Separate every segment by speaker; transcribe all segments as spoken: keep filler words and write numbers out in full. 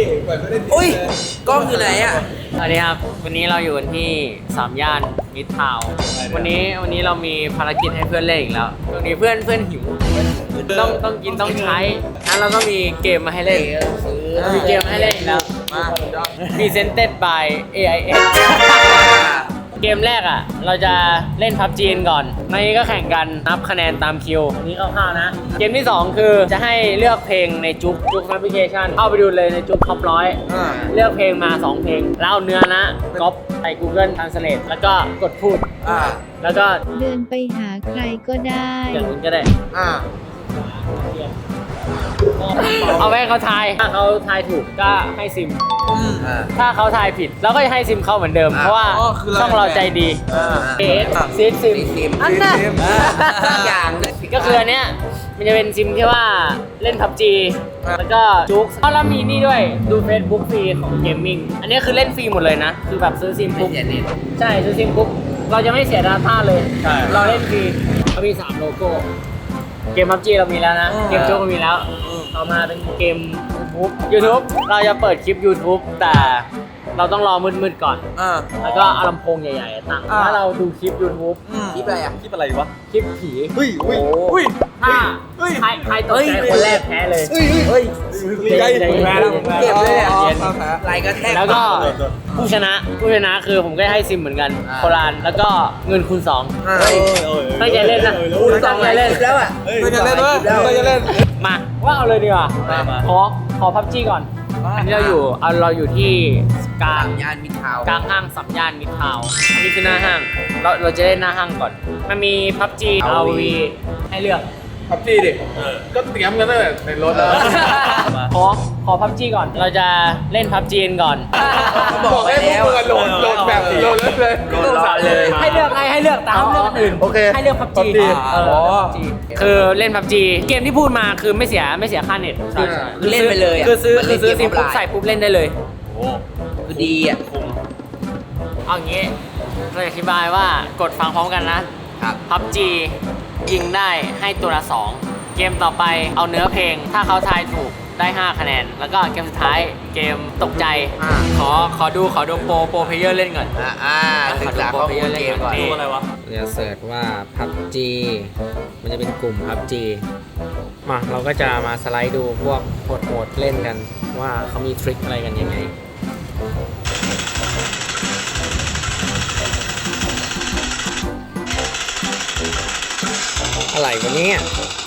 Speaker 1: เหมือนไม่ได้
Speaker 2: อุ้ยกล้องอยู่ไหนอ่ะ
Speaker 3: สวัสดีครับวันนี้เราอยู่กันที่สามย่านมิตรทาวน์วันนี้วันนี้เรามีภารกิจให้เพื่อนเล่นอีกแล้วตรงนี้เพื่อนเพื่อนหิวต้องต้องกินต้องใช้งั้นเราก็มีเกมมาให้เล่นมีเกมมาให้เล่นอีกแล้ว
Speaker 2: มา
Speaker 3: Presented by เอ ไอ เอส เกมแรกอ่ะเราจะเล่นพับจีนก่อนในนี้ก็แข่งกันนับคะแนนตามคิวอันนี้คร่าวๆนะเกมที่สองคือจะให้เลือกเพลงในจุกจุกแอปพลิเคชันเข้าไปดูเลยในจุกท็อปร้อยเลือกเพลงมาสองเพลงแล้วเอาเนื้อนะก๊อปใส่ Google Translate แล้วก็กดพูด
Speaker 2: อ่า
Speaker 3: แล้วก็
Speaker 4: เดินไปหาใครก็ได้
Speaker 3: อย่างนี้ก็ได้
Speaker 2: อ่า
Speaker 3: เอาไว้ให้เขาทายถ้าเขาทายถูกก็ให้ซิม
Speaker 2: อ่า
Speaker 3: ถ้าเขาทายผิดเราก็จะให้ซิมเขาเหมือนเดิม
Speaker 2: อ่า
Speaker 3: เพราะว่า
Speaker 1: อ๋อคือเรา
Speaker 3: ช่องเราใจดี
Speaker 2: อ่า
Speaker 3: เอสซีดซิม
Speaker 2: ซิม
Speaker 3: อันนั้น
Speaker 2: ทุกอย่าง
Speaker 3: ก็คืออันเนี้ยมันจะเป็นซิมที่ว่าเล่น พับจี แล้วก็จุกแล้วมีนี่ด้วยดู Facebook ฟรีของเกมมิ่งอันนี้คือเล่นฟรีหมดเลยนะ คือแบบซื้อซิม
Speaker 2: ไม่
Speaker 3: ปุ๊บ
Speaker 2: เสียเน็ต
Speaker 3: ใช่ซื้อซิมปุ๊บเราจะไม่เสียดาต้าเลย
Speaker 1: ใช่
Speaker 3: เราเล่นฟรีเรามีสามโลโก้เกม พับจี เรามีแล้วนะ เกมจุกเรามีแล้วต่อมาเป็นเกม YouTube YouTube เราจะเปิดคลิป YouTube แต่เราต้องรอมืดๆก่อน
Speaker 2: อ่า
Speaker 3: แล้วก็เอาลำโพงใหญ่ๆตั้งถ้าเราดูคลิป YouTube
Speaker 2: คลิปอะไรอ่ะ
Speaker 1: คลิปอะไรวะ
Speaker 3: คลิปผี
Speaker 1: เฮ้ยอุ้ย
Speaker 2: โอ้
Speaker 1: อุ้ย
Speaker 3: ถ้า
Speaker 1: เฮ้ย
Speaker 3: ใครใครตกใจคนแรกแพ้เลย
Speaker 1: เฮ้ย
Speaker 2: เฮ้ย
Speaker 1: ใจ
Speaker 3: ใจเย็น
Speaker 1: แพ้แล้ว
Speaker 3: ใจ
Speaker 2: เก็บเลยเนี่ย
Speaker 1: อ๋อ
Speaker 2: ไหลกระแทก
Speaker 3: แล้วก็ผู้ชนะผู้ชนะคือผมก็ให้ซิมเหมือนกัน
Speaker 2: อ่า
Speaker 3: โครานแล้วก็เงินคูณสอง
Speaker 2: อ่า
Speaker 1: เฮ้ย
Speaker 3: ตั้งใจเล่นนะ
Speaker 2: คูณสองหลายคลิปแล้วอ่ะ
Speaker 1: เฮ้ยจะเล่นด้วยจะเล่น
Speaker 3: มาว่าเอาเลยดีกว่า
Speaker 1: มามา
Speaker 3: ขอขอพับจีก่อนอันนี้เราอยู่เอาเราอยู่ที่กลาง
Speaker 2: สามย่านมิตรทาวน์
Speaker 3: กลางห้างสัมย่านมิตรทาวน์อันนี้คือหน้าห้างเราเราจะเล่นหน้าห้างก่อน มันมีพับจี อาร์ วี ให้เลือก
Speaker 1: พับจีดิก็เตรียมกันตั้งแต่ในรถแล้ว
Speaker 3: ขอขอพับจีก่อน เราจะเล่นพับจีก่อน
Speaker 2: บอกไปแล้ว
Speaker 1: ให้พวกมึงอะโหลดโหลดแบบโหลดเลย
Speaker 2: โหลดรอเลย
Speaker 3: ให้เลือกให้ให้เลือกแต่ห้ามเลือกอันอื่น
Speaker 1: โอเค
Speaker 3: ให้เลือกพับจี
Speaker 1: PUBG
Speaker 3: อ๋อ คือเล่นพับจีเกมที่พูดมาคือไม่เสียไม่เสียค่าเน็ต
Speaker 1: ใช่
Speaker 2: คือเล่นไปเลยอะ
Speaker 3: คือซื้อ
Speaker 2: มัน
Speaker 3: คื
Speaker 2: เล่
Speaker 3: อน ซื้อ
Speaker 2: เกม
Speaker 3: ซิมปุ๊บ
Speaker 2: ออนไลน์
Speaker 3: ใส่ปุ๊บเล่นได้เลย
Speaker 2: คือดีอ่ะ
Speaker 3: เอาอย่างงี้เราจะอธิบายว่ากดฟังพร้อมกันนะครับ พับจียิงได้ให้ตัวละสองเกมต่อไปเอาเนื้อเพลง ถ้าเขาทายถูกได้ห้าคะแนน แล้วก็เกมสุดท้ายเกมตกใจ
Speaker 2: อ่า
Speaker 3: ขอขอดูขอดูโปรโปรเพลเยอร์เล่นก่อน
Speaker 2: อ่าอ่าศึกษาข้อมูลเกมก่อน
Speaker 3: ดูอะไรวะ
Speaker 5: จะเสิร์ชว่า พับจี มันจะเป็นกลุ่ม พับจี มาเราก็จะมาสไลด์ดูพวกโหดๆเล่นกันว่าเขามีทริคอะไรกันยังไง อะไรวะเนี่ย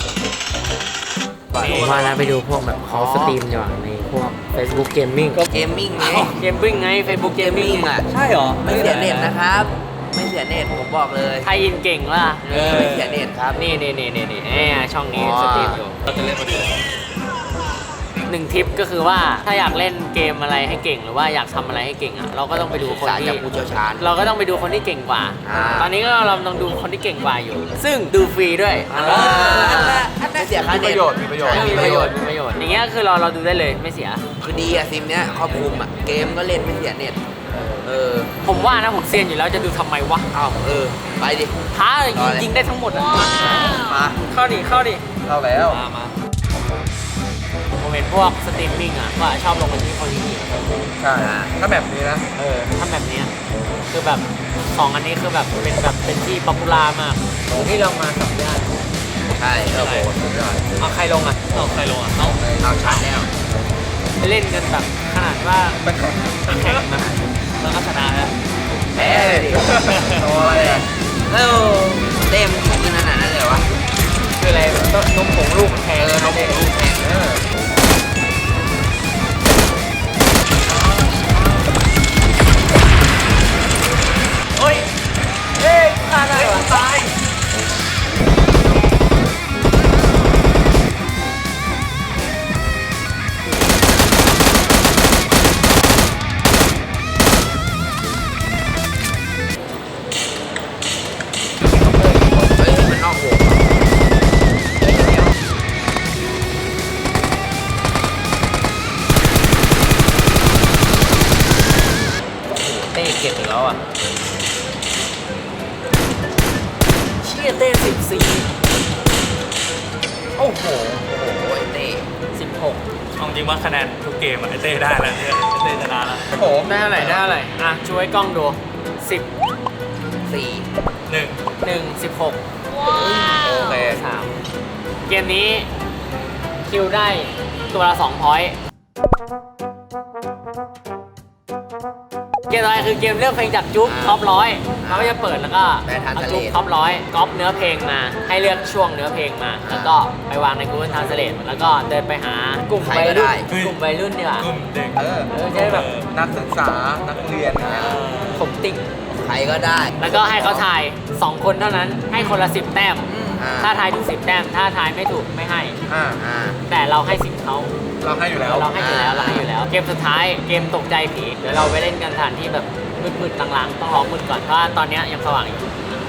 Speaker 5: ผมว่านะไปดูพวกแบบเขาสตรีมดีกว่าในพวก Facebook Gaming
Speaker 2: เกมมิ่งไง
Speaker 3: เกมบิ้งไง Facebook
Speaker 2: เกมมิ่งอ่ะ
Speaker 1: ใช่เหรอ
Speaker 2: ไม่เสียเน็ตนะครับ ไม่เสียเน็ตผมบอกเลย
Speaker 3: ไทยอินเก่งว่ะ
Speaker 2: เออไม่เสียเน็ตครับ
Speaker 3: นี่นี่นี่นี่นี่แหมช่องนี้
Speaker 2: อ๋อ
Speaker 3: สตรีมอยู่
Speaker 1: เราจะเล่นมาดู
Speaker 3: หนึ่งทิปก็คือว่าถ้าอยากเล่นเกมอะไรให้เก่งหรือว่าอยากทำอะไรให้เก่งอ่ะเราก็ต้องไปดู
Speaker 2: ศึก
Speaker 3: คน
Speaker 2: ษา
Speaker 3: ที่
Speaker 2: จากผู้เชี่ยวชาญ
Speaker 3: เราก็ต้องไปดูคนที่เก่งกว่า
Speaker 2: อ่า
Speaker 3: ตอนนี้ก็เราต้องดูคนที่เก่งกว่าอยู่ ซึ่งดูฟรีด้วย
Speaker 2: อ่าไม่เสียค่า
Speaker 1: มี
Speaker 2: เน็
Speaker 1: ป
Speaker 2: ต
Speaker 1: ระโยชน์มีประโยชน์
Speaker 2: ใช่
Speaker 3: มีประโยชน์มีประโยชน์อย่างเงี้ยคือเราเราดูได้เลยไม่เสีย
Speaker 2: คือดีอะซิมเนี้ยครอบคลุมอะเกมก็เล่นไม่เสียเน็ต เออ
Speaker 3: ผมว่านะผมเซียนอยู่แล้วจะดูทำไมวะ
Speaker 2: เอ้าเออ ไปดิ
Speaker 3: ท้าร
Speaker 2: อเลย
Speaker 3: ยิงได้ทั้งหมดอ่ะ
Speaker 2: มา
Speaker 3: เข้าดิเข้าดิ
Speaker 1: เข้าแล้ว
Speaker 3: มามาผมเห็นพวกสตรีมมิ่งอ่ะว่าชอบลงไปที่คอลินี
Speaker 1: ใช่ถ้าแบบนี้นะ
Speaker 3: เออถ้าแบบเนี้ยคือแบบสองอันนี้คือแบบเป็นแบบเป็นที่ป๊อปปูล่ามากที่ลงมาสัมญาณ
Speaker 2: ใช่เออโห
Speaker 3: เอาใครลงอ่ะเอาใครลงอ่ะเอา
Speaker 2: เอาชัดแล้ว
Speaker 3: เล่นกันแบบขนาดว่าแข่งนะแล้วก็ชนะแล้ว
Speaker 2: แพ้เลยดิโอ้ยเออเต็มขนาดนั้นเลยวะ
Speaker 3: คืออะไรต้นนมผงลูกแท
Speaker 2: เอง อน้องลูกแข่งเออ
Speaker 3: เฮ้ยเฮ้ยฆ่าได้เหรอตาย
Speaker 2: เฮ้ยมันนอกวง
Speaker 3: เต้เก็บอีกแล้วอ่ะเชี่ยเต้สิบสี่โอ้โห
Speaker 2: โอ้ยเต้
Speaker 3: สิบหก
Speaker 6: เอาจริงว่าคะแนนทุกเกมอะไอเต้ได้แล้วเนี่ยไอเต้ชนะแล้ว
Speaker 1: โอ้โห
Speaker 3: ได้เท่าไหร่ได้เท่าไหร่อ่ะช่วยกล้องดูสิบ
Speaker 2: สี่
Speaker 6: หนึ่ง
Speaker 3: หนึ่งสิบหก
Speaker 1: โอเค
Speaker 3: สามเกมนี้คิวได้ตัวละสองพอยต์เกมต่อไปคือเกมเลือกเพลงจากจุ๊บท็อปร้อยเขาก็จะเปิดแล้วก็เอาจุ๊บท็อปร้อยก๊อปเนื้อเพลงมาให้เลือกช่วงเนื้อเพลงมา แล้วก็ไปวางใน Google Translate แล้วก็เดินไปหากลุ่มวัยรุ่นกลุ่มวัยรุ่นดีกว่าก
Speaker 6: ลุ่มเด็ก
Speaker 1: เออ
Speaker 3: เออจะได้แบบ
Speaker 1: นักศึกษา นักเรียนอย่างเงี้ย
Speaker 3: ผมติ่ง
Speaker 2: ใครก็ได้
Speaker 3: แล้วก็ให้เขาทายสองคนเท่านั้นให้คนละสิบแต้ม
Speaker 2: อ่า
Speaker 3: ถ้าทายถูกสิบแต้ม ถ้าทายไม่ถูกไม่ให้
Speaker 1: อ่า
Speaker 2: อ่า
Speaker 3: แต่เราให้สิบเขา
Speaker 1: เราให้อยู่แล้ว
Speaker 3: เราให้อยู่แล้วเราให้อยู่แล้ว เกมสุดท้ายเกมตกใจผีเดี๋ยวเราไปเล่นกันสถานที่แบบมืดๆลางๆต้องรอมืดก่อนเพราะว่าตอนเนี้ยยังสว่างอยู่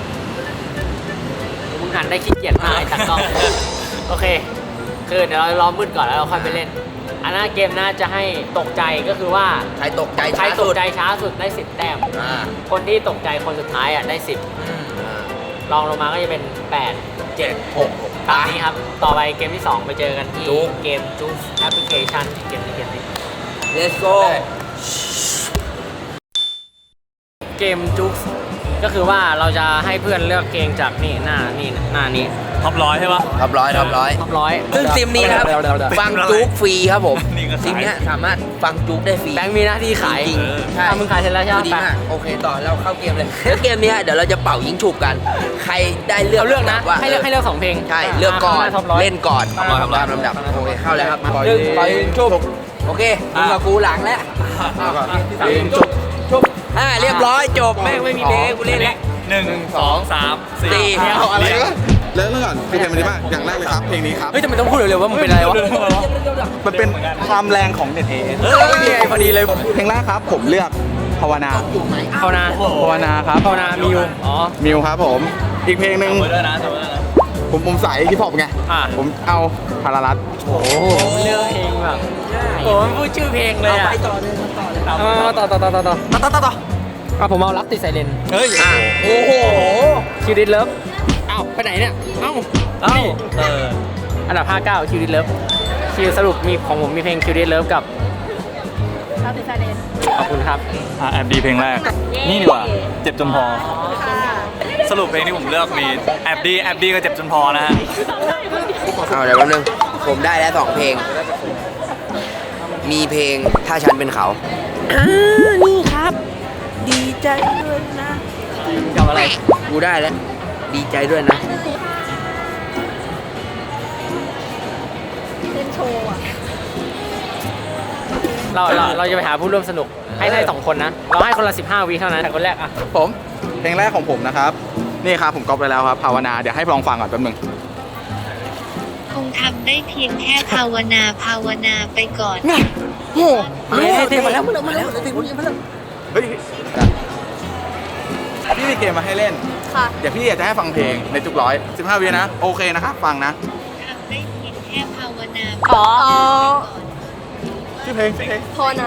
Speaker 3: มึงหันได้ขี้เกียจมากไอ้ตากล้อง โอเค คือเดี๋ยวเรารอมืดก่อนแล้วเราค่อยไปเล่น อันนั้นเกมน่าจะให้ตกใจก็คือว่า
Speaker 2: ใครตกใจ
Speaker 3: ใคร
Speaker 2: ช้า
Speaker 3: ต
Speaker 2: สุ
Speaker 3: ก
Speaker 2: ด
Speaker 3: ใจช้าสุดได้สิบแต้ม
Speaker 2: อ่า
Speaker 3: คนที่ตกใจคนสุดท้ายอ่ะได้สิบ
Speaker 2: อ่า
Speaker 3: ลองลงมาก็จะเป็นแปด
Speaker 2: เจ็ดหก
Speaker 3: ตามนี้ครับ ต่อไปเกมที่สองไปเจอกันที่
Speaker 2: จุ๊ก
Speaker 3: เกมจุ๊กแอปพลิเคชันเกมนี้เกมนี้
Speaker 2: let's go
Speaker 3: เกมจุ๊กก็คือว่าเราจะให้เพื่อนเลือกเพลงจากนี่หน้านี่หน้านี้
Speaker 6: ท็อปร้อยใช่ปะ
Speaker 2: ท็อปร้อยท็อปร้อย
Speaker 3: ท็อปร้อย
Speaker 2: ซึ่งซิมนี้นะครับ
Speaker 1: เดี๋ยวเดี๋ยวเดี๋ยว
Speaker 2: ฟังจุกฟรีครับผม
Speaker 6: นี่ก็ขาย
Speaker 2: ซิมเนี้ยสามารถฟังจุกได้ฟรี
Speaker 3: แบงค์มีหน้าที่ขาย
Speaker 2: จริงๆใช่
Speaker 3: ถ้ามึงขายเสร็จแล้วใช่ไหม
Speaker 2: ดีมากโอเคต่อเราเข้าเกมเลยแล้วเกมเนี้ยเดี๋ยวเราจะเป่ายิงฉุบกัน ใครได้เลือก
Speaker 3: เอาเลือกนะ
Speaker 2: ว่า
Speaker 3: ให้เลือกให้เลือกสองเพลง
Speaker 2: ใช่เลือกก่อน
Speaker 3: ท็อปร้อย
Speaker 2: เล่นก่อน
Speaker 3: ท็อปร้อย
Speaker 2: ตามลำดับโอเคเข้าแล้วครับ
Speaker 1: ปล่อย
Speaker 2: หนึ่ง
Speaker 1: ยิง
Speaker 2: ปล่อยยิงฉุบโอเคมึงกับกูหลังแล้ว
Speaker 1: ยิงจุ๊บจุ๊บ
Speaker 2: อ่าเรียบร้อยจบแม่งไม่มีเพลงให้กูเล่นแล้ว
Speaker 6: หนึ่งสองสามสี่
Speaker 2: สี่
Speaker 1: เอาอะไรวะเริ่มก่อนคือเพลงมันดีมากอย่างแรกเลยครับ เพลงนี้ครับ
Speaker 3: เฮ้ยทำไมต้องพูดเร็วๆว่ามึงเป็นอะไรวะ
Speaker 1: มันเป็นความแรงของเน็ตเอ
Speaker 3: เออนี่ไงพอดีเลย
Speaker 1: เพลงแรกครับ ผมเลือกภาวนา
Speaker 3: ภาวนา
Speaker 1: ภาวนาครับ
Speaker 3: ภาวนามิวอ๋อ
Speaker 1: มิวครับผม อีกเพลงหนึ่ง
Speaker 6: เบอร์ด้วยนะเบอร์ด้วยนะ
Speaker 1: ผมผมสายฮิปฮอปไง
Speaker 3: อ่ะ
Speaker 1: ผมเอาพารารัต
Speaker 3: โอ้โหเลือกเพลงแบบโอ้โหพูดชื่อเพลงเลยอ่ะ
Speaker 2: ไปต่อเลยต่อเลย
Speaker 3: เอาต่อต่อต่อต่อต่อต่อต่อต่ออ่ะผมเอารักติดไซเรน
Speaker 6: เฮ้ย
Speaker 2: อ่ะโอ้โห
Speaker 3: คิวดิสเลิฟเอ้าไปไหนเนี่ย เอ้าเอ้า
Speaker 6: เออ
Speaker 3: อันดับห้าเก้าคิวดิสเลิฟคิวสรุปมีของผมมีเพลงคิวดิสเลิฟกับรักติดไซเรนขอบคุณครับ
Speaker 6: อ่ะแอบดีเพลงแรก นี่ดีกว่า เจ็บจนพอ สรุปเพลงที่ผมเลือกมีแอบดีแอบดีก็เจ็บจนพอนะฮะ
Speaker 2: เอาเดี๋ยวแป๊บนึงผมได้แล้วสองเพลง มีเพลงถ้าฉันเป็นเขาอ่านี่ครับ ดีใจด้วยนะ
Speaker 3: กับอะไร
Speaker 2: กูได้แล้ว ดีใจด้วยนะ
Speaker 3: เราเราเราจะไปหาผู้ร่วมสนุกให้ได้สองคนนะ เราให้คนละสิบห้าวิเท่านั้นแต่คนแรกอ่ะ
Speaker 1: ผม เพลงแรกของผมนะครับ นี่ครับผมก๊อปไปแล้วครับภาวนา เดี๋ยวให้ลองฟังก่อนแป๊บนึง
Speaker 4: คงทำได้เพียงแค่ภาวนาภาวนาไปก่อน
Speaker 1: โอ้
Speaker 3: มาแล้วเต็มมาแล้ว
Speaker 2: มาแล้วมาแล้วมาแล้ว
Speaker 1: เฮ้ยพี่มีเกมมาให้เล่น
Speaker 7: ค่ะ
Speaker 1: เดี๋ยวพี่อยากจะให้ฟังเพลงในจุกร้อยสิบห้าวินะ โอเคนะครับ ฟังนะ
Speaker 4: ทำได้เพียงแค่ภาวนา
Speaker 7: อ๋อ
Speaker 1: ชื่อเพลงชื่อเพลง
Speaker 7: พอนะ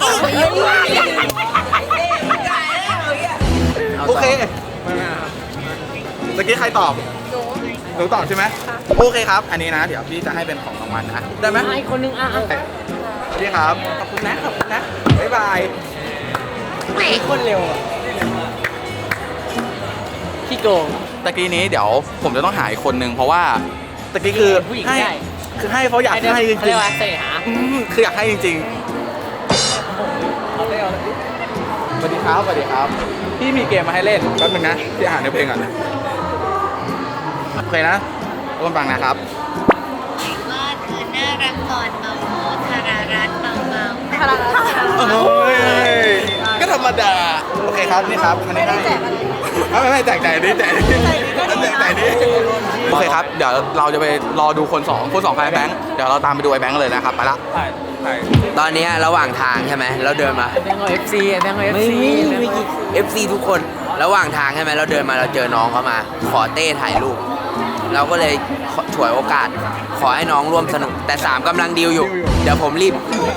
Speaker 1: โอเคเมื่อกี้ใครตอบ
Speaker 7: หนู
Speaker 1: หนูตอบใช่ไหมโอเคครับ อันนี้นะ เดี๋ยวพี่จะให้เป็นของรางวัลนะ ได้ไหม
Speaker 3: อีกคนนึงอ่ะอ่ะ
Speaker 1: พี่ครับ ขอบคุณนะ ขอบคุณนะ บ๊ายบาย
Speaker 3: อีกคนเร็วอ่ะพี่โกง
Speaker 1: ตะกี้นี้เดี๋ยวผมจะต้องหาอีกคนนึงเพราะว่าตะกี้คือ
Speaker 3: ผู้หญิง
Speaker 1: ให้
Speaker 3: ได้
Speaker 1: คือให้เขาอยากให้จ
Speaker 3: เขา
Speaker 1: ริ
Speaker 3: เรีย
Speaker 1: ง
Speaker 3: กว่าเสหา
Speaker 1: ๆอืมคืออยากให้จริงๆสวัสดีครับสวัสดีครับ พี่มีเกมมาให้เล่นแป๊บนึงนะพี่อ่านในเพลงก่อนโอเคนะร่วมฟังนะครับ
Speaker 4: ว่าเธอน่ารักตอนเมาโมธารารัตน์เมาเมา
Speaker 7: พลัง
Speaker 1: โอ้ยก็ธรรมดาโอเคครับนี่ครับอันนี้ให้ไม่ไม่ไม่แจกใจนี้แจกนี้แจกใจนี้โอเคครับเดี๋ยวเราจะไปรอดูคนสองคนสองใครแบงค์เดี๋ยวเราตามไปดูไอ้แบงค์เลยนะครับไปละ
Speaker 2: ตอนเนี้ยระหว่างทางใช่ไหมเราเดินมา
Speaker 3: แบงก์เอาเอฟซีแบงก์เอาเอฟซี
Speaker 2: เอฟซีทุกคน ระหว่างทางใช่ไหมเราเดินมาเราเจอน้องเขามา ขอเต้ถ่ายรูป เราก็เลยขอฉวยโอกาส ขอให้น้องร่วมสนุก แต่สามกำลังดีลอยู่ เดี๋ยวผมรีบ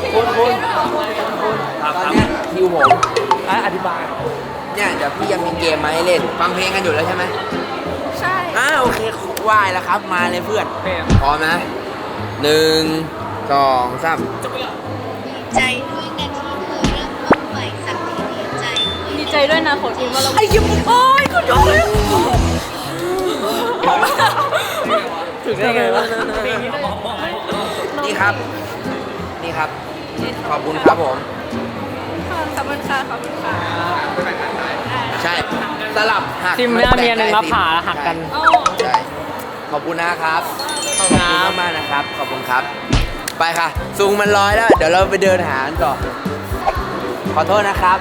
Speaker 2: ตอนเนี้ยคิวผมอธิบายเนี่ยเดี๋ยวพี่ยังมีเกมมาให้เล่น ฟังเพลงกันอยู่แล้วใช่ไหม
Speaker 7: ใช่
Speaker 2: อ่าโอเคไหวแล้วครับมาเลยเพื่อนพร้อมนะหนึ่งสองสาม
Speaker 4: ใจด้วยนะที่เธอเริ่มต้นใหม่สักทีดีใจด้วย
Speaker 7: ดีใจด้วยนะขอทีมว่าเราไอ้ยิ้มโอ้ยคุณยกเลย
Speaker 3: ถึงได้ไงวะ
Speaker 2: นี่ครับ นี่ครับ ขอบคุณครับผม
Speaker 7: ขอบคุณค่ะขอบคุณค่ะ
Speaker 2: ใช่สลับหัก
Speaker 3: ซิมหน้าเมียหนึ่งมาผ่าแล้วหักกัน
Speaker 7: โอ้
Speaker 2: ใช่ขอบคุณนะครับ
Speaker 3: ขอบ
Speaker 2: ข
Speaker 3: คุ
Speaker 2: อบ
Speaker 3: ณ
Speaker 2: คุณ
Speaker 3: ครับ
Speaker 2: มากๆนะครับ ขอบคุณครับ ไปค่ะซุงมันร้อยแล้ว เดี๋ยวเราไปเดินหากันต่อ ขอโทษนะครับ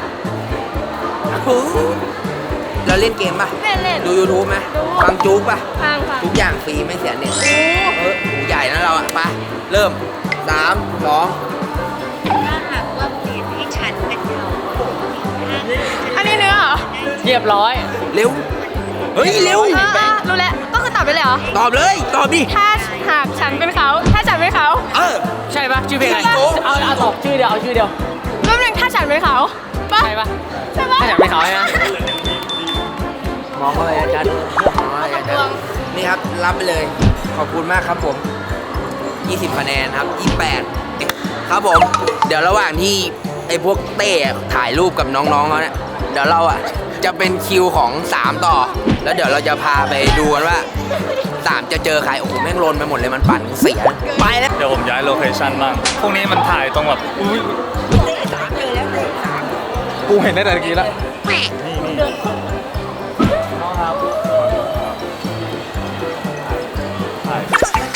Speaker 2: เราเล่นเกมป่ะ
Speaker 7: เล่นเล่น
Speaker 2: ดู YouTube ไหม
Speaker 7: ดู
Speaker 2: ฟังจุ๊กป่ะ
Speaker 7: ฟังค่ะ
Speaker 2: ทุกอย่างฟรีไม่เสียเน็ต
Speaker 7: โอ้
Speaker 2: เออใหญ่นะเราอ่ะไปเริ่มสามสอง
Speaker 4: ถ้าหากว่าเปลี่ยนให้ฉันเป็นเขา
Speaker 7: อันนี้เนื้อเหรอ
Speaker 3: เรียบร้อย
Speaker 2: เร็ว เฮ้ย เร็ว
Speaker 7: เออเออรู้แล้วก็คือตอบไปเลยเหรอ
Speaker 2: ตอบเลย ตอบดิ
Speaker 7: ถ้าหากฉันเป็นเขา ถ้าฉันเป็นเขา
Speaker 2: เออ
Speaker 3: ใช่ปะชื่อเพลงอะไร
Speaker 2: ใช่ปะ
Speaker 3: เอาเอาตอบชื่อเดียวเอาชื่อเดียว
Speaker 7: รูปหนึ่งถ้าฉันเป็นเขาปะ
Speaker 3: ใช่ปะ
Speaker 7: ใช่ปะ
Speaker 3: ถ้าอยากเป็นเขาใช่ไหม
Speaker 2: มองเข้าไปอาจารย์มองเข้าไปอาจารย์นี่ครับ รับไปเลย ขอบคุณมากครับผม ยี่สิบคะแนนครับ ยี่สิบแปด ครับผม เดี๋ยวระหว่างที่ไอ้พวกเต้ถ่ายรูปกับน้องๆเขาเนี่ย เดี๋ยวเราอ่ะจะเป็นคิวของสามต่อ แล้วเดี๋ยวเราจะพาไปดูกันว่าสามจะเจอใคร โอ้โห แม่งลนไปหมดเลย มันปั่นเสีย ไปแล้ว
Speaker 6: เดี๋ยวผมย้ายโลเคชั่นบ้าง พวกนี้มันถ่ายตรงแบบอุ้ย
Speaker 1: กูเห็นได้แต่ตะกี้แล้ว
Speaker 6: ถ่าย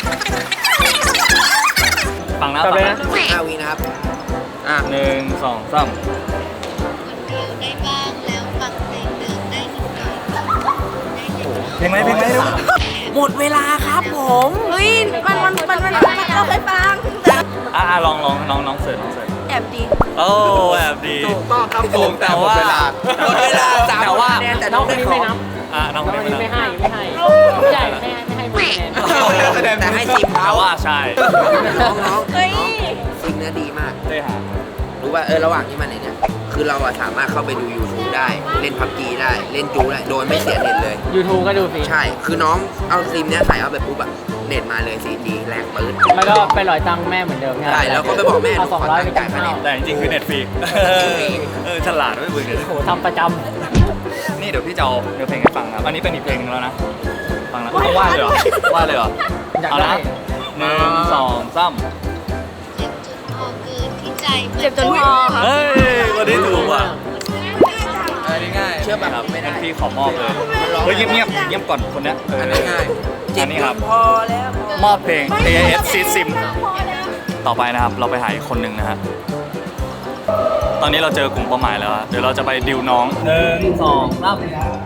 Speaker 6: ฟังนะ
Speaker 3: จบ
Speaker 6: ฟัง
Speaker 3: เลย
Speaker 6: นะ
Speaker 3: นะ
Speaker 2: ห้าวินะครับ อ่ะ
Speaker 6: หนึ่งสองสาม
Speaker 4: คนเดียวได้บ้างแล้วฟังเพลงเดิมได้นิดหน่อยได้นิดหน่อย
Speaker 6: เพลงไหมเพลงไหมเร็ว
Speaker 2: หมดเวลาครับผม
Speaker 7: เฮ้ยมันมันมันมันเราเคยฟัง
Speaker 6: อ่ะอ่ะลองลองน้องน้องเสิร์ชน้องเสิร์ช
Speaker 7: แอบดี
Speaker 6: โอ้แอบดี
Speaker 1: ถูกต้องครับผมแต่หมดเวลา
Speaker 2: หมดเวลาสาม
Speaker 6: แต่ว่า
Speaker 2: คะแนนแต่
Speaker 3: น้
Speaker 2: น้
Speaker 3: อ
Speaker 2: อง ง
Speaker 3: คน
Speaker 2: ได้
Speaker 3: นี้
Speaker 2: ขอ
Speaker 3: ไม่
Speaker 2: ง
Speaker 3: นับ
Speaker 6: อ่ะน้อง
Speaker 3: น้อง
Speaker 6: ค
Speaker 3: คน น
Speaker 6: นี้
Speaker 3: นี้
Speaker 6: ไม่
Speaker 3: ไม่
Speaker 6: นับ
Speaker 3: ให้ไม่ให้ไม่ใหญ่ไม่ให้ไม่ให้หมดคะแนน
Speaker 1: คะแนน
Speaker 2: แต่ให้ซิม
Speaker 6: แต่
Speaker 2: เขา
Speaker 6: ว่าใช่
Speaker 2: น้องน้อง
Speaker 7: เฮ้ย
Speaker 2: ซิมเนื้อดีมาก
Speaker 6: ได้หา
Speaker 2: รู้ว่าเออระหว่างที่มันเนี่ย คือเราอะสามารถเข้าไปดู YouTube ได้ เล่นพับจีได้ เล่นจูได้ โดยไม่เสียเน็ตเลย
Speaker 3: YouTube ก็ดูฟรี
Speaker 2: ใช่ คือน้องเอาซิมเนี้ยใส่เอาไปปุ๊บอะเน็ตมาเลย โฟร์จี แรงปื้น
Speaker 3: แล้วก็ไปหลอยตังค์แม่เหมือนเดิม
Speaker 2: ใช่แล้วก็ไปบอกแม่
Speaker 3: เอาสองร้อยไปกินข้าว
Speaker 6: แต่จริงๆคือเน็ตฟรีเออฉลาดด้วยเบื่อ
Speaker 3: โอ้โหทำประจ
Speaker 6: นี่เดี๋ยวพี่จะเอาเนื้อเพลงให้ฟังครับ อันนี้เป็นอีกเพลงนึงแล้วนะ ฟังนะต้องว่าเลยเหรอว่าเลยเหรอ
Speaker 3: ำอยาก
Speaker 6: เอา
Speaker 3: ได้
Speaker 6: ละหนึ่งสองสาม
Speaker 4: เจ็บจนพอเกินที่ใจมั
Speaker 7: เจ็บจนพอค่ะ
Speaker 6: เฮ้ยวันนี้ถูกว่ะ
Speaker 1: เออนี่ง่าย
Speaker 2: เชื่อป่ะ
Speaker 6: ครับ
Speaker 2: ไม่
Speaker 6: งั้
Speaker 2: ได้
Speaker 6: นพี่ขอมอบเลย เฮ้ยเงียบเงียบๆเงียบก่อนคนเนี้ยเออ
Speaker 2: อันนี้ง่าย
Speaker 6: อันนี้ครับ
Speaker 2: พอแล้ว
Speaker 6: มอบเพลง เอ เอส Seed Sim ต่อไปนะครับ เราไปหาอีกคนหนึ่งนะฮะ ตอนนี้เราเจอกลุ่มเป้าหมายแล้วอะเดี๋ยวเราจะไปดิวน้องหนึ่งสองสาม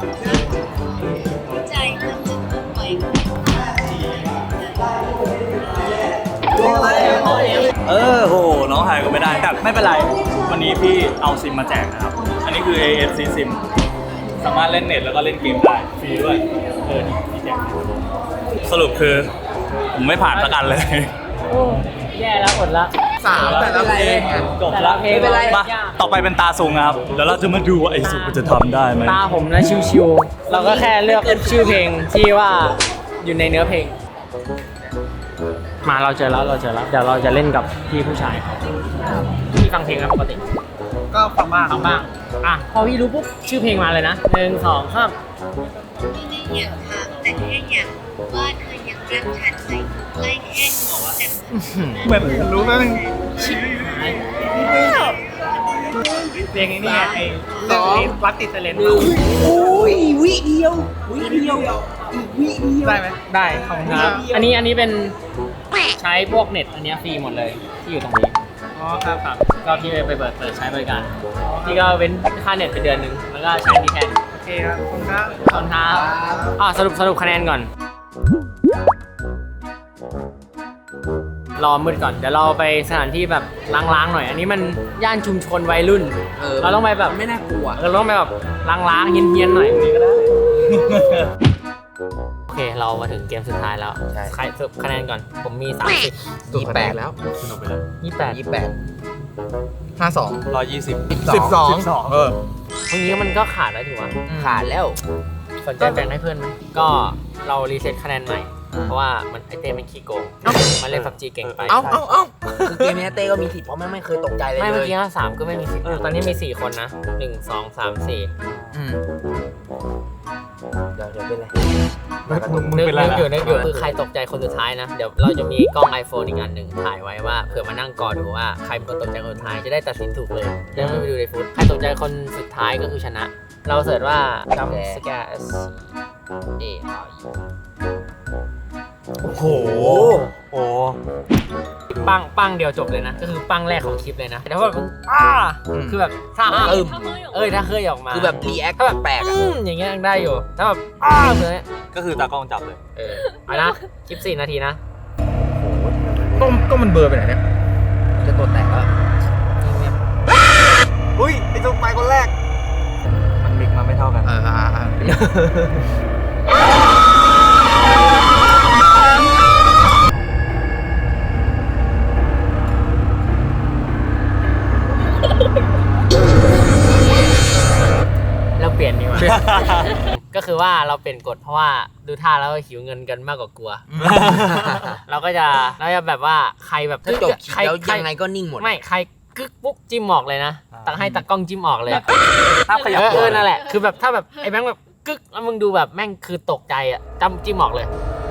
Speaker 4: ใจมันจะต้องไหว
Speaker 6: เออโห น้องหายก็ไม่ได้แต่ไม่เป็นไร วันนี้พี่เอาซิมมาแจกนะครับ อันนี้คือ เอ เอส Seed Sim สามารถเล่นเน็ตแล้วก็เล่นเกมได้ ฟรีด้วย เออ นี่พี่แจกสรุปคือ ผมไม่ผ่านสักอันเลย
Speaker 3: โอ้แย่แล้วอดละ
Speaker 1: สามแต่ละเพลงอะ
Speaker 6: จบ
Speaker 3: แต่
Speaker 6: แล้
Speaker 3: ละ
Speaker 6: ว
Speaker 3: เพลงเรา
Speaker 6: มา
Speaker 3: ยาก
Speaker 6: ต่อไปเป็นตาซุงนะครับ เดี๋ยวเราจะมาดูว่าไอ้ซุงมันจะทำได้ไหม
Speaker 3: ตาผมนะชิวๆเราก็แค่เลือกชื่อเพลงที่ว่าอยู่ในเนื้อเพลง มาเราเจอแล้วเราเจอแล้วเดี๋ยวเราจะเล่นกับพี่ผู้ชายพี่ฟังเพลงไหมปกติ
Speaker 1: ก็ฟังบ้าง
Speaker 3: ฟังบ้างอ่ะพอพี่รู้ปุ๊บชื่อเพลงมาเลยนะหนึ่งสองสาม
Speaker 4: ไม่ได้อยากถามแต่แค่อยากรู้ว่าเธอยังรักฉันไหมใกล้แค่นี้แต่
Speaker 6: เหมือนรู้ไหมมัน
Speaker 3: เพลงนี้ไงไอ้เรื่องนี้วัดติดเซเลน
Speaker 2: อุ้ยวิเดียววิเดียวอีกวิเดียว
Speaker 3: ได้ไหมได้ขอบคุณครับอันนี้อันนี้เป็นใช้พวกเน็ตอันเนี้ยฟรีหมดเลยที่อยู่ตรงนี้อ๋อครับครับก็พี่ไปเปิดเปิดใช้บริการพี่ก็เว้นค่าเน็ตไปเดือนหนึ่งแล้วก็ใช้ดีแค่นี้โอเคครับขอบคุณครับขอบคุณครับอ่าสรุปสรุปคะแนนก่อน รอมืดก่อนเดี๋ยวเราไปสถานที่แบบล้างๆหน่อย อันนี้มันย่านชุมชนวัยรุ่น
Speaker 2: เออ
Speaker 3: เราต้องไปแบบ
Speaker 2: ไม่น่ากลัว
Speaker 3: เราต้องไปแบบล้างๆเฮี้ยนๆหน่อยนี่ก็ได้ โอเคเรามาถึงเกมสุดท้ายแล้ว
Speaker 2: ใช่
Speaker 3: ใครสรุปคะแนนก่อน ผมมีสามสิบ
Speaker 2: ยี่สิบแปดแล้ว
Speaker 3: ยี่สิบแปด
Speaker 2: ยี่สิบแปด
Speaker 1: ห้าสอง
Speaker 6: ร้อยยี่สิบ
Speaker 1: สิบสองเออ
Speaker 3: ตรงนี้มันก็ขาดแล้วถือว่า
Speaker 2: ขาดแล้ว
Speaker 3: สนใจแบ่งให้เพื่อนไหมก็เรารีเซ็ตคะแนนใหม่เพราะว่ามันไอเต้เป็นขี้โกงมันเล่นพับจีเก่งไป
Speaker 2: เอ้าเอ้าเอ้าคือเกมนี้เต้ก็มีสิทธิ์เพราะแม่งไม่เคยตกใจเลย
Speaker 3: ไม่
Speaker 2: เล
Speaker 3: เมื่อย กี้สามก็ไม่มีสิทธิ์ตอนนี้มีสี่คนนะหนึ่งสองสามสี่
Speaker 2: อืมเดี๋ยวเดี๋ยวเป็นไร
Speaker 3: นึกนึกอยู่นึกอยู่คือใครตกใจคนสุดท้ายนะ เดี๋ยวเราจะมีกล้อง iPhone อีกอันหนึ่งถ่ายไว้ว่าเผื่อมานั่งกอดูว่าใครเป็นคนตกใจคนสุดท้ายจะได้ตัดสินถูกเลยจะไม่ไปดูในฟุตใครตกใจคนสุดท้ายก็คือชนะ เราเสิร์ชว่าจำสแกร์ S A R U
Speaker 6: โอ้โหโอ้
Speaker 3: ปังปังเดียวจบเลยนะ ก็คือปังแรกของคลิปเลยนะแต่ว่าแบบอ้าคือแบบถ้าอ้า
Speaker 2: อึม
Speaker 3: เอ้ยถ้าเคยออกมา
Speaker 2: คือแบบรีแอคแปลกๆ
Speaker 3: อื
Speaker 2: อ่ะ
Speaker 3: มอย่างเงี้ยยังได้อยู่ถ้าแบบอ้าเลย
Speaker 6: ก็คือตากล้องจับเลย
Speaker 3: เออเอานะคลิปสี่นาทีนะ
Speaker 1: ก็ก็มันเบอร์ไปไหนเนี่ย
Speaker 2: จะตัวแตกแล้ว
Speaker 6: อุ้ยไอ้ตรงไปคนแรก มันมิกมาไม่เท่ากัน
Speaker 1: เอออ่าอ่า
Speaker 3: เราเปลี่ยนดีกว่า ก็คือว่าเราเปลี่ยนกฎเพราะว่าดูท่าแล้วหิวเงินกันมากกว่ากลัว เราก็จะเราจะแบบว่าใครแบบ
Speaker 2: ถ้าจบคลิป
Speaker 3: ใคร
Speaker 2: แล้ว
Speaker 3: ใคร
Speaker 2: ยังไงก็นิ่งหมด
Speaker 3: ไม่ใครกึกปุ๊บจิ้มออกเลยนะตักให้ตากล้องจิ้มออกเลย
Speaker 6: ภาพขยับ
Speaker 3: เออ
Speaker 6: ตัว
Speaker 3: เออนั่นแหละคือแบบถ้าแบบไอ้แบงค์แบบกึกแล้วมึงดูแบบแม่งคือตกใจอ่ะจำจิ้มออกเลย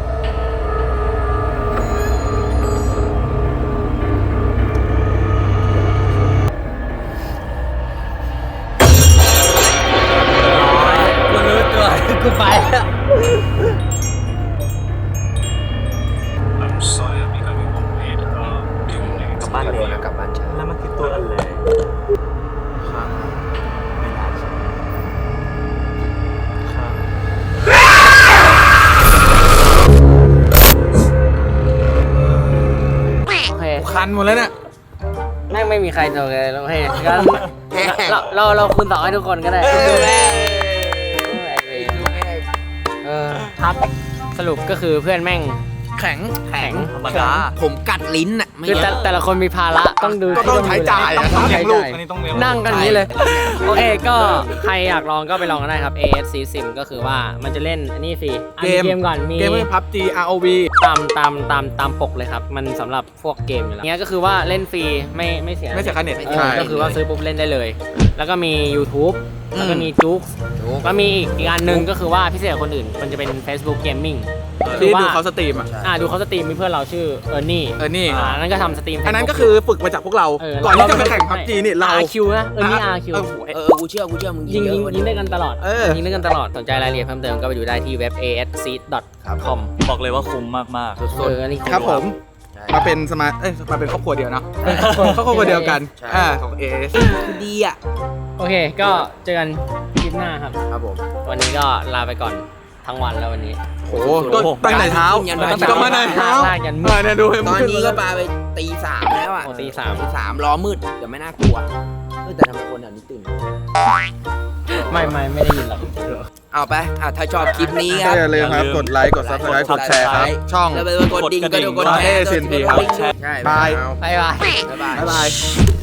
Speaker 2: กูรู้ตัวกูไปแล้ว
Speaker 6: กลับบ้านเร็วนะ
Speaker 2: กลับบ้านช้า
Speaker 6: แล้วมันคือตัวอะไรไม่น่าใช่
Speaker 3: โอเค
Speaker 1: คันหมดแล้วเนี่ย
Speaker 3: แม่งไม่มีใครตกเลยโอเคงั้นเราเราเราคูณสองให้ทุกคนก็ได้เออครับสรุปก็คือเพื่อนแม่ง
Speaker 1: แข็ง
Speaker 3: แข็ง
Speaker 6: ธรรมดา
Speaker 2: ผมกัดลิ้นอ่ะไม่
Speaker 3: คือ
Speaker 2: เย
Speaker 3: แต่
Speaker 2: อะ
Speaker 3: แต่ละคนมีภาระต้องดู
Speaker 1: ก็ต้องใช้จ่ายอะ
Speaker 3: ต้อง
Speaker 1: ต้องเลี้
Speaker 3: ใช้
Speaker 1: ยงลูก
Speaker 3: จ่าย
Speaker 6: อันนี้ต้องเลี้ยง
Speaker 3: นั่งกันอย่างนี้เลย โอเคก็ใครอยากลองก็ไปลองกันได้ครับ เอ เอส ซี Sim ก็คือว่ามันจะเล่นอันนี้ฟรีอ่ะ
Speaker 1: เกม
Speaker 3: เกมก่อนมี
Speaker 1: เกมพับจี อาร์ โอ วี
Speaker 3: ตามตามตามตามปกเลยครับ มันสำหรับพวกเกมอยู่แล้วเนี้ยก็คือว่าเล่นฟรีไม่ไม่เสีย
Speaker 1: ไม่เสียค่าเน็ต
Speaker 3: เอ
Speaker 1: ใช่
Speaker 3: อก็คือว่าซื้อปุ๊บเล่นได้เลย แล้วก็มี YouTube แล้วก็มีจุ๊กแล้วมีอีกอีกอันหนึ่งก็คือว่าพิเศษกว่าคนอื่น มันจะเป็น Facebook Gaming
Speaker 1: ที่
Speaker 3: ว่า
Speaker 1: ดูเขาสตรีมอ่ะ
Speaker 3: อ่าดูเขาสตรีมมีเพื่อนเราชื่อเออร์นี่
Speaker 1: เออนี่
Speaker 3: อ่านั่นก็ทำสตรีม
Speaker 1: อันนั้นก็คือฝึกมาจากพวกเรา
Speaker 3: เออ
Speaker 1: ก่อนที่จะไปแข่งพับจีนี่เรา
Speaker 3: อาร์คิวนะเออนี่อาร์คิว
Speaker 1: เออโห
Speaker 2: เออกูเชื่อกูเชื่อมึง
Speaker 3: ยิง
Speaker 2: เย
Speaker 3: ยิง
Speaker 2: อะกว่า
Speaker 3: ยิ
Speaker 2: นี้
Speaker 3: งได้กันตลอด
Speaker 1: เออ
Speaker 3: ยิงได้กันตลอดสนใจรายละเอียดเพิ่มเติมก็ไปดูได้ที่เว็บ เอ เอส ซี ดอท คอม
Speaker 6: บอกเลยว่าคุ้มมาก
Speaker 3: เอออันนี้
Speaker 1: ครับผม มาเป็นสมาร์ทเอ้ยมาเป็นครอบครัวเดียวเนาะครอบครัวเดียวกันอ่าของ เอ เอส
Speaker 2: คือดีอ่ะ
Speaker 3: โอเคก็เจอกันคลิปหน้าครับ
Speaker 2: ครับผม
Speaker 3: วันนี้ก็ลาไปก่อนทั้งวันแล้ววันนี้
Speaker 1: โอ้โหก็ตั้งแต่เช้า
Speaker 2: ยันบ่าย
Speaker 1: ก็มาในเช้า
Speaker 3: ลากยันมืด
Speaker 1: เออเนี่ยดูให้
Speaker 2: ตอน
Speaker 1: มืด
Speaker 2: นี้ก็ปาไปตีสามแล้วอ่ะ
Speaker 3: โอ้ตีสาม
Speaker 2: ตีสามล้อมืดแต่ไม่น่ากลัวเออแต่ทำไมคนแถวนี้ตื่น
Speaker 3: ไม่ไม่ไม่ได้ยินหรอก
Speaker 2: เอาไปอ่ะถ้าชอบคลิปนี้ค
Speaker 1: ก็
Speaker 2: รับ
Speaker 1: อย่าลืมครับ กดไลค์ กด ซับสไครต์ กดแชร์ครับ ช่อง
Speaker 2: แล้วไปกดดิ่งก็ดูกด
Speaker 1: เอ
Speaker 2: แชร์
Speaker 1: เซียนพีครับ
Speaker 2: ใช่
Speaker 1: บาย
Speaker 3: บายบาย
Speaker 2: บ๊ายบาย
Speaker 1: บ๊ายบาย